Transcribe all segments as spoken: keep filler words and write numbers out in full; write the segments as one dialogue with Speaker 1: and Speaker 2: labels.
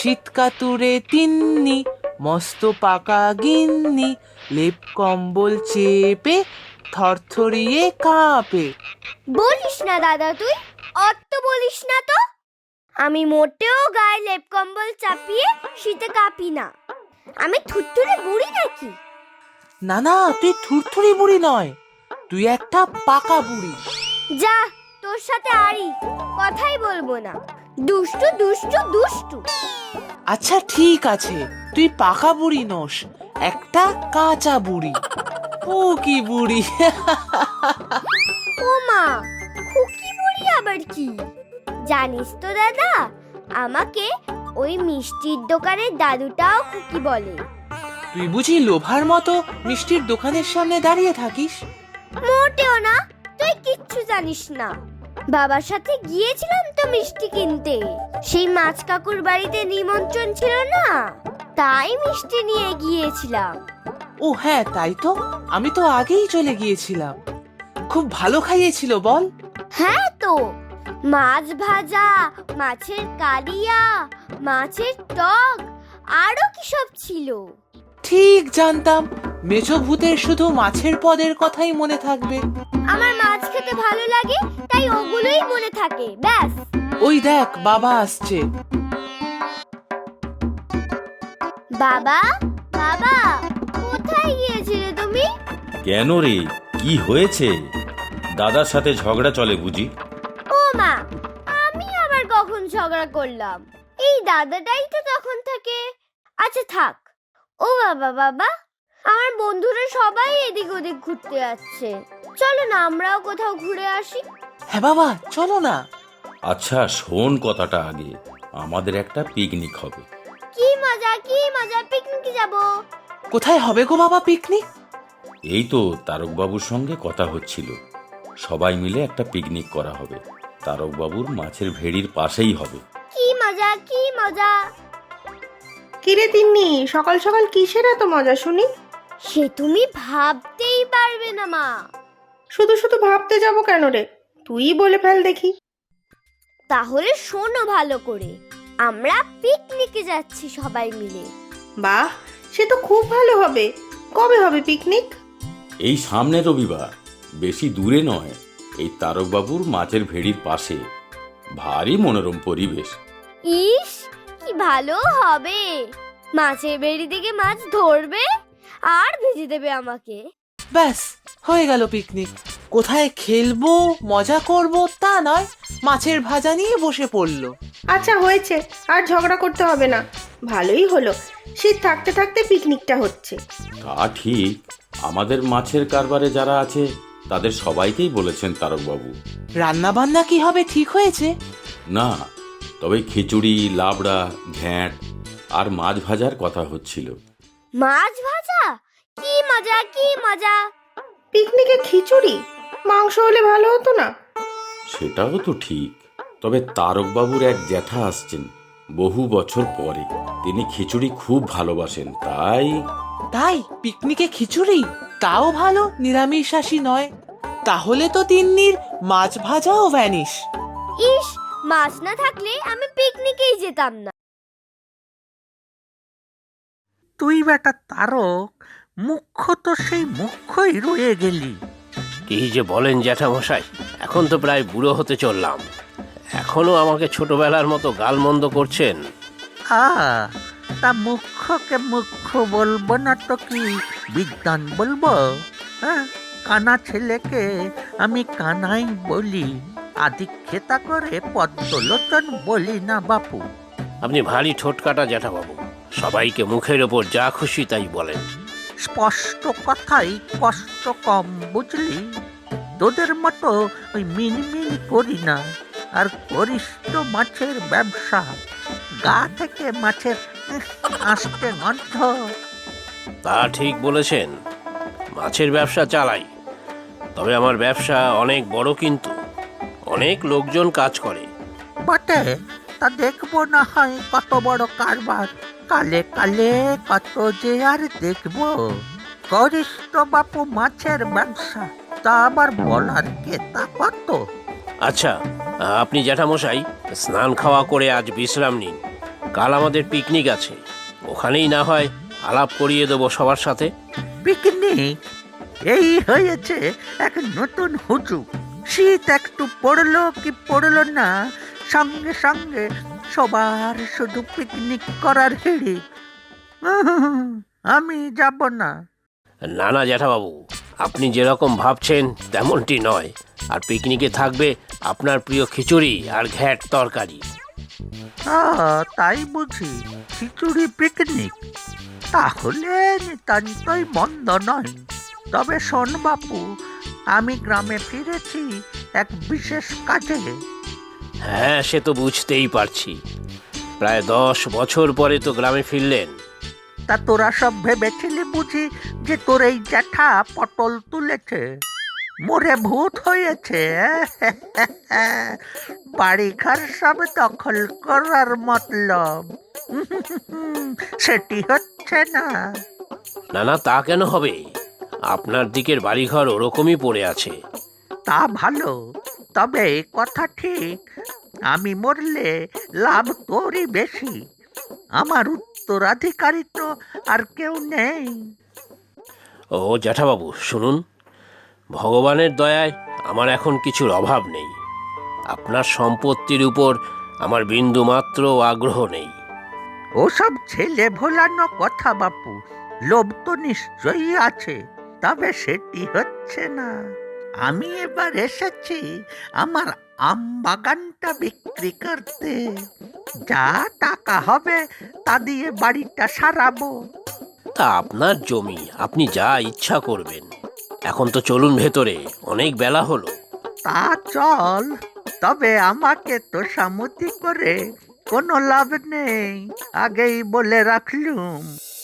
Speaker 1: শীতকাতুরে তিন্নি, মস্ত পাকা গিন্নি, লেপ কম্বল চেপে থরথরিয়ে কাঁপে।
Speaker 2: বলিস না দাদা, তুই অত বলিস না তো। আমি মোটেও গায়ে লেপ কম্বল চাপিয়ে শীতে কাঁপি না। আমি থুরথুরে বুড়ি নাকি?
Speaker 1: না না, তুই থুরথুরি বুড়ি নয়, তুই একটা পাকা বুড়ি।
Speaker 2: যা, তোর সাথে আড়ি কথাই বলবো না। দুষ্টু দুষ্টু দুষ্টু।
Speaker 1: আচ্ছা ঠিক আছে, তুই পাকা বুড়ি নস, একটা কাঁচা বুড়ি। ও কি বুড়ি!
Speaker 2: ও মা, খুকি বুড়ি আবার কি? জানিস তো দাদা, আমাকে ওই মিষ্টির দোকানের দাদুটাও খুকি বলে।
Speaker 1: তুই বুঝি লোভার মতো মিষ্টির দোকানের সামনে দাঁড়িয়ে থাকিস?
Speaker 2: মোটেও না, তুই কিচ্ছু জানিস না। বাবার সাথে গিয়েছিলাম তো মিষ্টি কিনতে। সেই মাছ কাকুর বাড়িতে নিমন্ত্রণ ছিল না, তাই মিষ্টি নিয়ে গিয়েছিলাম।
Speaker 1: ও হ্যাঁ, তাই তো, আমি তো আগেই চলে গিয়েছিলাম। খুব ভালো খাইয়েছিল বল?
Speaker 2: হ্যাঁ তো, মাছ ভাজা, মাছের কালিয়া, মাছের টক, আরো কি সব ছিল।
Speaker 1: ঠিক জানতাম মেছো ভূতের শুধু মাছের পদের কথাই মনে থাকবে।
Speaker 2: আমার মাছ খেতে ভালো লাগে, তাই ওগুলোই মনে থাকে, ব্যাস।
Speaker 1: ওই দেখ, বাবা আসছে।
Speaker 2: বাবা, বাবা, কোথায় গিয়েছিলে তুমি?
Speaker 3: কেন রে, কি হয়েছে? দাদার সাথে ঝগড়া চলে বুঝি?
Speaker 2: ও মা, আমি আবার কখন ঝগড়া করলাম? এই দাদাটাই তো তখন থেকে। আচ্ছা থাক। ও বাবা, বাবা, আমার বন্ধুরা সবাই এদিক ওদিক ঘুরতে যাচ্ছে, চলো না আমরাও কোথাও ঘুরে আসি।
Speaker 1: হ্যাঁ বাবা, চলো না।
Speaker 3: আচ্ছা শোন কথাটা আগে, আমাদের একটা পিকনিক হবে।
Speaker 2: কি মজা, কি মজা, পিকনিকে যাব।
Speaker 1: কোথায় হবে গো বাবা পিকনিক?
Speaker 3: এই তো তারকবাবুর সঙ্গে কথা হচ্ছিল, সবাই মিলে একটা পিকনিক করা হবে। তারকবাবুর মাছের ভেড়ির পাশেই হবে।
Speaker 2: কি মজা, কি মজা।
Speaker 4: কিরে তিন্নি, সকাল সকাল কিসের এত মজা শুনি?
Speaker 2: সে তুমি ভাবতেই পারবে না মা।
Speaker 4: শুধু শুধু ভাবতে যাব কেন রে, তুই বলে ফেল দেখি।
Speaker 2: তাহলে শোনো ভালো করে, আমরা পিকনিকে যাচ্ছি সবাই মিলে।
Speaker 4: বাহ, সে তো খুব ভালো হবে। কবে হবে পিকনিক?
Speaker 3: এই সামনে রবিবার, বেশি দূরে নয়, এই তারকবাবুর মাছের ভেড়ির পাশে। ভারী মনোরম পরিবেশ।
Speaker 2: ইস, কি ভালো হবে। মাছের বেড়ি থেকে মাছ ধরবে আর ভেজে দেবে আমাকে।
Speaker 1: ব্যাস, হয়ে গেল পিকনিক। কোথায় খেলবো, মজা করব তা নয়, মাছের ভাজা নিয়ে বসে পড়লো।
Speaker 4: আচ্ছা হয়েছে, আর ঝগড়া করতে হবে না। ভালোই হলো, শীত থাকতে থাকতে পিকনিকটা হচ্ছে।
Speaker 3: তা ঠিক, আমাদের মাছের কারবারে যারা আছে তাদের সবাইকেই বলেছেন তারকবাবু।
Speaker 1: রান্না বান্না কি হবে ঠিক হয়েছে?
Speaker 3: না, তবে খিচুড়ি, লাবড়া, ঘ্যাঁট আর মাছ ভাজার কথা হচ্ছিল।
Speaker 2: মাছ ভাজা? কি মজা, কি মজা।
Speaker 4: পিকনিকে খিচুড়ি? মাংস হলে ভালো হতো না?
Speaker 3: সেটাও তো ঠিক, তবে তারকবাবুর এক জ্যাঠা আসছেন বহু বছর পরে, তিনি খিচুড়ি খুব ভালোবাসেন, তাই।
Speaker 1: তাই পিকনিকে খিচুড়ি? তাও ভালো, নিরামিষাশী নয়। তাহলে তো তিন্নির মাছ ভাজাও ভ্যানিশ।
Speaker 2: ইস, মাছ না থাকলে আমি পিকনিকেই যেতাম না।
Speaker 5: তুই বেটা তারক, মুখ্য তো সেই মুখ্যই রয়ে গেলি।
Speaker 6: কি যে বলেন জ্যাঠামশাই, এখন তো প্রায় বুড়ো হতে চললাম, এখনো আমাকে ছোটবেলার মতো গালমন্দ করছেন।
Speaker 5: আ তা মুখ্যকে মুখ্য বলবো না তো কি বিদ্বান বলবো? হ্যাঁ, কানা ছেলেকে আমি কানাই বলি, আদিক্ষেতা করে পদ্মলোচন বলি না বাপু।
Speaker 6: আপনি ভারী ঠোঁটকাটা জ্যাঠাবাবু, সবাইকে মুখের ওপর যা খুশি তাই বলেন।
Speaker 5: স্পষ্ট কথাই কষ্ট কম, বুঝলি? তোদের মতো ওই মিনমিন করি না। আর করিস তো মাছের ব্যবসা, গা থেকে মাছের আসতে গন্ধ।
Speaker 6: তা ঠিক বলেছেন, মাছের ব্যবসা চালাই, তবে আমার ব্যবসা অনেক বড়, কিন্তু অনেক লোকজন কাজ করে।
Speaker 5: বটে, তা দেখবো না হয় কত বড় কারবার। কালে কালে কত যে আর দেখবো। করিস তো বাপু মাছের ব্যবসা, তা আবার বলার কে তা কত।
Speaker 6: আচ্ছা, আপনি জ্যাঠামশাই স্নান খাওয়া করে আজ বিশ্রাম নিন, কাল আমাদের পিকনিক আছে, ওখানেই না হয় আলাপ করিয়ে দেবো সবার সাথে।
Speaker 5: পিকনিক? এই হয়েছে এক নতুন হুজুগ। শীত একটু পড়লো কি পড়লো না, সঙ্গে সঙ্গে সবার শুধু পিকনিক করার হিড়িক। উহুম, আমি যাব না।
Speaker 6: না না জ্যাঠাবাবু, আপনি যেরকম ভাবছেন তেমনটি নয়। আর পিকনিকে থাকবে আপনার প্রিয় খিচুড়ি আর ঘ্যাট তরকারি।
Speaker 5: আ, তাই বুঝি? খিচুড়ি পিকনিক? তাহলে নিতান্তই মন্দ নয়। তবে শোন বাপু, আমি গ্রামে ফিরেছি এক বিশেষ কাজে।
Speaker 6: হ্যাঁ, সে তো বুঝতেই পারছি। প্রায় দশ বছর পরে তো গ্রামে ফিরলেন।
Speaker 5: তা তোরা সব ভেবেছিলি বুঝি যে তোর এই জ্যাঠা পটল তুলেছে, মরে ভূত হয়েছে? বাড়িঘর সব দখল করার মতলব সেটি হচ্ছে না।
Speaker 6: না না, তা কেন হবে? আপনার দিকের বাড়িঘর ওরকমই পড়ে আছে।
Speaker 5: তা ভালো, তবে কথা ঠিক, আমি মরলে লাভ তোরই বেশি। আমার উত্তরাধিকারী তো আর কেউ নেই।
Speaker 6: ও জ্যাঠাবাবু শুনুন, ভগবানের দয়ায় আমার এখন কিছুর অভাব নেই। আপনার সম্পত্তির উপর আমার বিন্দুমাত্র আগ্রহ নেই।
Speaker 5: ওসব ছেলে ভোলানো কথা বাপু, লোভ তো নিশ্চয়ই আছে, তবে সেটি হচ্ছে না। আমি এবার এসেছি আমার আম বাগানটা বিক্রি করতে। যা টাকা হবে তা দিয়ে বাড়িটা সারাবো।
Speaker 6: তা আপনার জমি, আপনি যা ইচ্ছা করবেন। এখন তো চলুন ভেতরে, অনেক বেলা হলো।
Speaker 5: তা চল, তবে আমাকে তো সামতি করে কোনো লাভ নেই, আগেই বলে রাখলুম।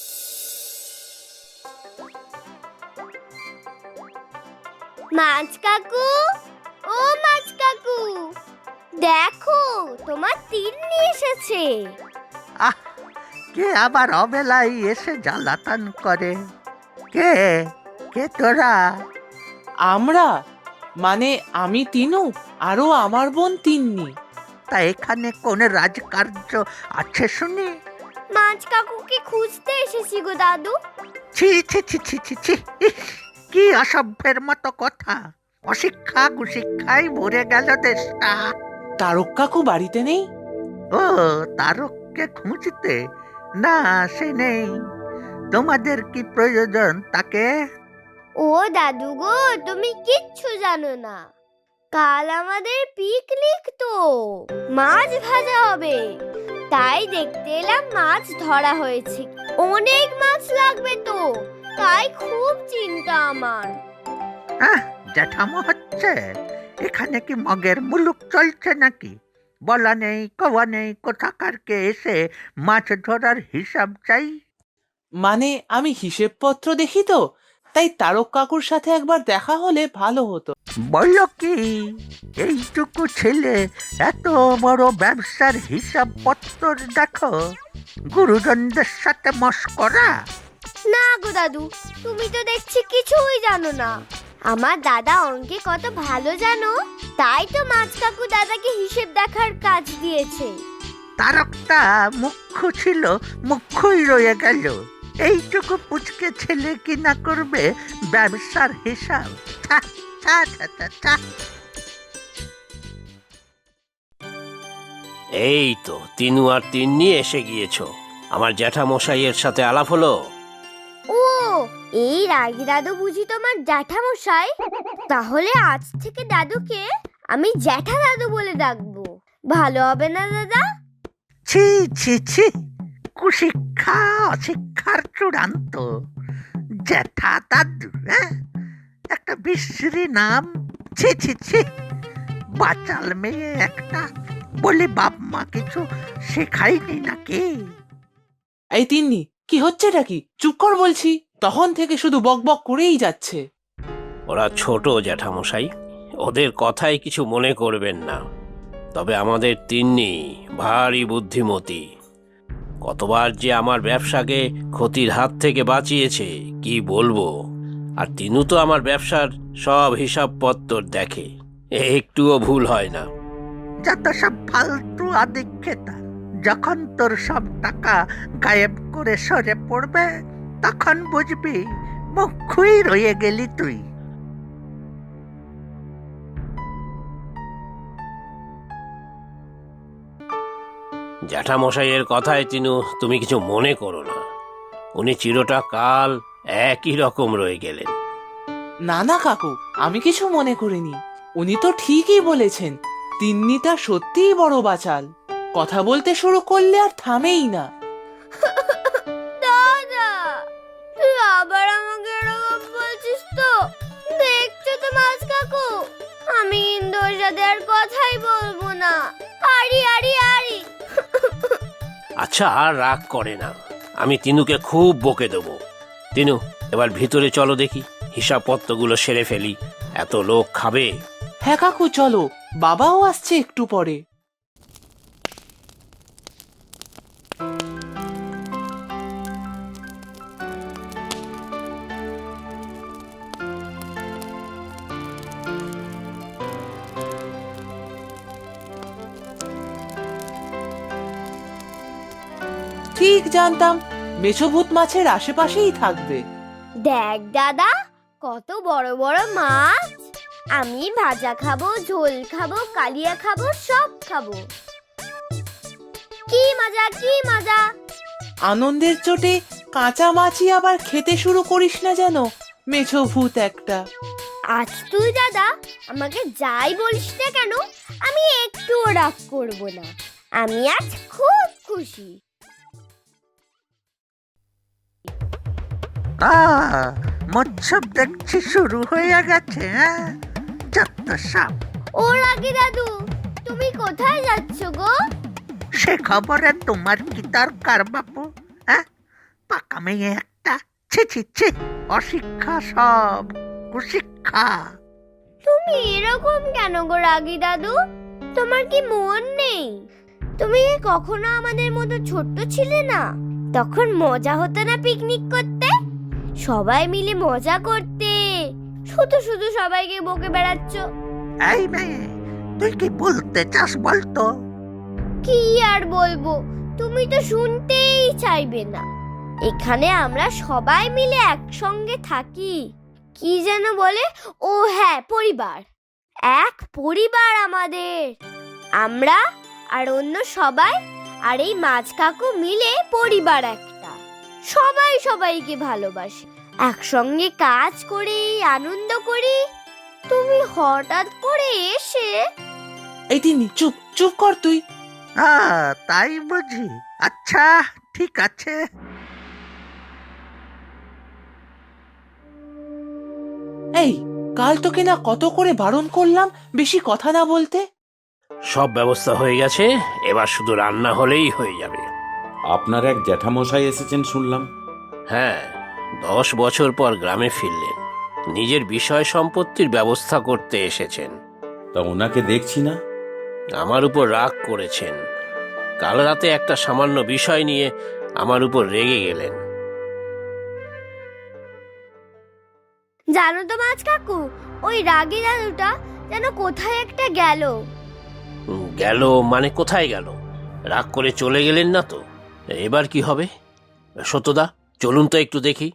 Speaker 2: মাছ কাকু, ও মাছ কাকু, দেখো তোমার তিন্নি এসেছে।
Speaker 5: আহ, কে আবার অবেলায় এসে জ্বালাতন করে? কে কে তোরা?
Speaker 1: আমরা মানে আমি তিনু, আরো আমার বোন তিন্নি।
Speaker 5: তা এখানে কোন রাজকার্য আছে শুনি?
Speaker 2: মাছ কাকুকে খুঁজতে এসেছি গো দাদু।
Speaker 5: ছি ছি ছি ছি ছি ছি, ইস, কি অসভ্যের মতো কথা! অশিক্ষা কুশিক্ষায় ভরে গেল দেশটা।
Speaker 1: তারক কাকু বাড়িতে নেই?
Speaker 5: ও, তারককে খুঁজতে? না, সে নেই। তোমাদের কি প্রয়োজন তাকে?
Speaker 2: ও দাদু গো, তুমি কিচ্ছু জানো না। কাল আমাদের পিকনিক, তো মাছ ভাজা হবে, তাই দেখতে এলাম মাছ ধরা হয়েছে। অনেক মাছ লাগবে তো, তাই খুব চিন্তা আমার।
Speaker 5: আহ, জ্যাঠামো হচ্ছে? এখানে কি মগের মুলুক চলছে নাকি? বলা নেই কওয়া নেই, কোথাকারকে এসে মাছ ধরার হিসাব চাই।
Speaker 1: মানে আমি হিসেবপত্র দেখি তো, তাই তারক কাকুর সাথে একবার দেখা হলে ভালো হতো।
Speaker 5: বললো কি, এইটুকু ছেলে এত বড় ব্যবসার হিসাব পত্র দেখো? গুরুজনদের সাথে মস্করা?
Speaker 2: না গো দাদু, তুমি তো দেখছি কিছুই জানো না। আমার দাদা অঙ্কে কত ভালো জানো, তাই তো মাছ কাকু দাদাকে হিসেব দেখার কাজ দিয়েছে।
Speaker 5: তারকটা মুখ্য ছিল, মুখ্যই রয়ে গেল। এইটুকু পুচকে ছেলে কি না করবে ব্যবসার হিসাব? ছা, ছা, ছা, ছা, ছা।
Speaker 6: এই তো তিনু আর তিন্নি এসে গিয়েছো। আমার জ্যাঠামশাইয়ের সাথে আলাপ হলো?
Speaker 2: ও, এই রাগি দাদু বুঝি তোমার জ্যাঠামশাই? তাহলে আজ থেকে দাদুকে আমি জ্যাঠা দাদু বলে ডাকবো, ভালো হবে না দাদা?
Speaker 5: ছি ছি ছি, কুশিক্ষা অশিক্ষার চূড়ান্ত। জ্যাঠা দাদু, হ্যাঁ? একটা বিশ্রী নাম। ছি ছি ছি, বাচাল মেয়ে একটা, বলে বাপ মা কিছু শেখায়নি নাকি?
Speaker 1: এই তিন্নি, কি হচ্ছেটা কি? চুপ কর বলছি, তখন থেকে শুধু বক বক করেই যাচ্ছে।
Speaker 6: ওরা ছোট জ্যাঠামশাই, ওদের কথায় কিছু মনে করবেন না। তবে আমাদের তিন্নি ভারী বুদ্ধিমতী। কতবার যে আমার ব্যবসাকে ক্ষতির হাত থেকে বাঁচিয়েছে কি বলবো। আর তিনু তো আমার ব্যবসার সব হিসাবপত্র দেখে, একটুও ভুল হয় না।
Speaker 5: যত সব ফালতু আদিক্ষেতা, যখন তোর সব টাকা গায়েব করে সরে পড়বে তখন বুঝবি মুখই রয়ে গেলি তুই।
Speaker 6: জ্যাঠামশাইয়ের কথায় তিনু তুমি কিছু মনে করো না। উনি চিরটা কাল একই রকম রয়ে গেলেন।
Speaker 1: না না কাকু, আমি কিছু মনে করিনি। উনি তো ঠিকই বলেছেন, তিন্নিটা সত্যিই বড় বাচাল। কথা বলতে শুরু করলে আর থামেই না।
Speaker 2: দাদা, তুই আবার আমাকে এরকম বলছিস তো? দেখছো তো মাছ কাকু, আমি কিন্তু ওর সাথে আর কথাই বলবো না। আরি আরি আরি।
Speaker 6: আচ্ছা, আর রাগ করে না, আমি তিনুকে খুব বকে দেবো। তিনু, এবার ভিতরে চলো দেখি, হিসাবপত্রগুলো সেরে ফেলি। এত লোক খাবে।
Speaker 1: হ্যাঁ কাকু, চলো, বাবাও আসছে একটু পরে। ঠিক জানতাম মেছোভূত মাছের আশেপাশেই থাকবে।
Speaker 2: দেখ দাদা, কত বড় বড় মাছ। আমি ভাজা খাবো, ঝোল খাবো, কালিয়া খাবো, সব খাবো। কি মজা, কি মজা।
Speaker 1: আনন্দের চোটে কাঁচা মাছই আবার খেতে শুরু করিস না যেন, মেছোভূত একটা।
Speaker 2: আজ তুই দাদা আমাকে যাই বলিস না কেন, আমি একটুও রাগ করব না। আমি আজ খুব খুশি।
Speaker 5: তা মৎসব দেখছি শুরু হয়ে গেছে। হ্যাঁ, যত সব।
Speaker 2: ও রাগি দাদু, তুমি কোথায় যাচ্ছ গো?
Speaker 5: সে খবরে তোমার কি দরকার বাপু? হ্যাঁ, পাকা মেয়ে একটা। ছি ছি ছি, অশিক্ষা সব, কুশিক্ষা।
Speaker 2: তুমি এরকম কেন গো রাগি দাদু? তোমার কি মন নেই? তুমি কি কখনো আমাদের মতো ছোট্ট ছিলে না? তখন মজা হতো না পিকনিক করতে? সবাই মিলে মজা করতে। শুধু শুধু সবাইকে বকে বেড়াচ্ছ।
Speaker 5: এই মেয়ে, তুই কি বলতে চাস বলতো?
Speaker 2: কি আর বলবো, তুমি তো শুনতেই চাইবে না। এখানে আমরা সবাই মিলে একসঙ্গে থাকি। কি যেন বলে, ও হ্যাঁ, পরিবার। এক পরিবার আমাদের। আমরা আর অন্য সবাই আর এই মাছ কাকু মিলে পরিবার একটা। সবাই সবাইকে ভালোবাসে, একসঙ্গে কাজ করি, আনন্দ করি। তুমি হঠাৎ করে এসে।
Speaker 1: এই তিন্নি, চুপ চুপ কর তুই।
Speaker 5: হ্যাঁ, তাই বুঝি। আচ্ছা, ঠিক আছে।
Speaker 1: এই, কাল তোকে না কত করে বারণ করলাম বেশি কথা না বলতে।
Speaker 6: সব ব্যবস্থা হয়ে গেছে, এবার শুধু রান্না হলেই হয়ে যাবে।
Speaker 3: আপনার এক জ্যাঠামশাই এসেছেন শুনলাম।
Speaker 6: হ্যাঁ, দশ বছর পর গ্রামে ফিরলেন। নিজের বিষয় সম্পত্তির ব্যবস্থা করতে এসেছেন।
Speaker 3: তা ওনাকে দেখছি না।
Speaker 6: আমার উপর রাগ করেছেন। কাল রাতে একটা সামান্য বিষয় নিয়ে আমার উপর রেগে গেলেন।
Speaker 2: জানো তো মাছ কাকু, ওই রাগী দাদুটা যেন কোথায় একটা গেল।
Speaker 6: উম, গেল মানে কোথায় গেল? রাগ করে চলে গেলেন না তো? এবার কি হবে? সত্যদা, চলুন তো একটু দেখি।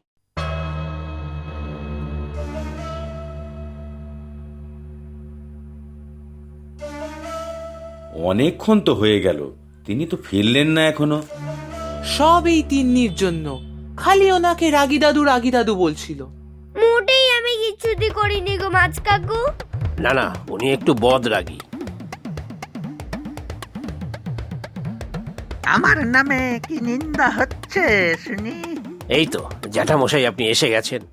Speaker 3: অনেকক্ষণ তো হয়ে গেল, তিনি তো ফিরলেন না এখনো।
Speaker 1: সব এই তিন্নির জন্য, খালি ওনাকে রাগি দাদু রাগি দাদু বলছিল।
Speaker 2: মোটেই আমি কিচ্ছুটি করিনি গো মাছ কাকু।
Speaker 6: না না, উনি একটু বদরাগী।
Speaker 5: আমার নামে কি নিন্দা হচ্ছে শুনি?
Speaker 6: এই তো জ্যাঠামশাই, আপনি এসে গেছেন।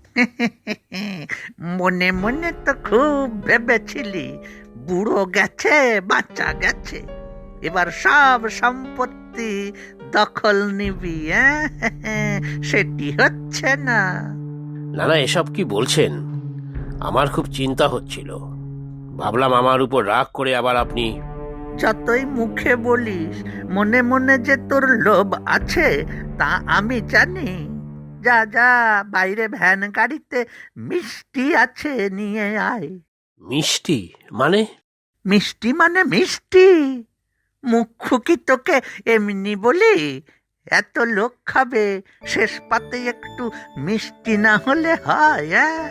Speaker 5: মনে মনে তো খুব ভেবেছিলি বুড়ো গেছে, বাচ্চা গেছে, এবার সব সম্পত্তি দখল নিবি। হ্যাঁ, সেটি হচ্ছে না।
Speaker 6: না না, এসব কি বলছেন? আমার খুব চিন্তা হচ্ছিল। ভাবলাম আমার উপর রাগ করে আবার আপনি।
Speaker 5: যতই মুখে বলিস, মনে মনে যে তোর লোভ আছে তা আমি জানি। যা যা, বাইরে ভ্যান গাড়িতে মিষ্টি আছে, নিয়ে আয়।
Speaker 6: মিষ্টি মানে?
Speaker 5: মিষ্টি মানে মিষ্টি, মুখ্য কি তোকে এমনি বলি? এত লোক খাবে, শেষ পাতে একটু মিষ্টি না হলে হয়? হ্যাঁ,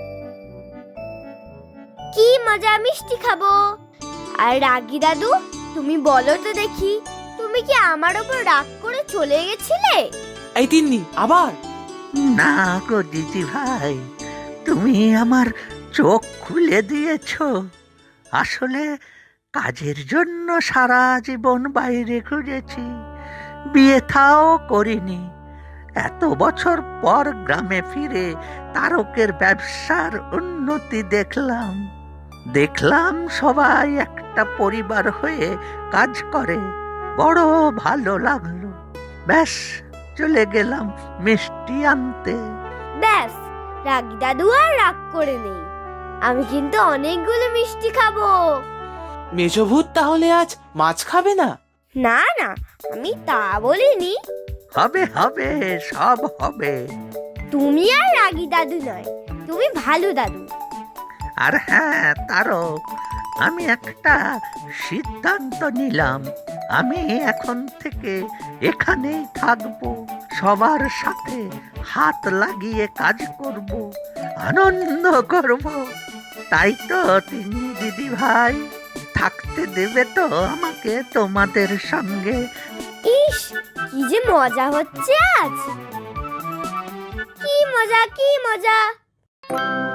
Speaker 2: কি মজা, মিষ্টি খাবো। আর রাগী দাদু, তুমি বলো তো দেখি, তুমি কি আমার ওপর রাগ করে চলে গেছিলে?
Speaker 1: এই তিন্নি আবার?
Speaker 5: না গো দিদি ভাই, তুমি আমার চোখ খুলে দিয়েছ। আসলে কাজের জন্য সারা জীবন বাইরে ঘুরেছি, বিয়ে থাও করিনি। এত বছর পর গ্রামে ফিরে তারকের ব্যবসার উন্নতি দেখলাম। দেখলাম সবাই একটা পরিবার হয়ে কাজ করে, বড় ভালো লাগলো। ব্যাস, চলে গেলাম মিষ্টি আনতে।
Speaker 2: ব্যাস, রাগী দাদু আর রাগ করে নেই। আমি কিন্তু অনেকগুলো মিষ্টি খাবো।
Speaker 1: মেজভূত তাহলে আজ মাছ খাবে না?
Speaker 2: না না, আমি তা বলিনি।
Speaker 5: হবে হবে, সব হবে।
Speaker 2: তুমি আর রাগী দাদু নয়, তুমি ভালো দাদু।
Speaker 5: আর হ্যাঁ তারক, আমি একটা সিদ্ধান্ত নিলাম। আমি এখন থেকে এখানেই থাকবো, সবার সাথে হাত লাগিয়ে কাজ করব, আনন্দ করব। তাই তো তিন্নি দিদি ভাই, থাকতে দেবে তো আমাকে তোমাদের সঙ্গে?
Speaker 2: ইস, কি যে মজা হচ্ছে আজ! কি মজা, কি মজা!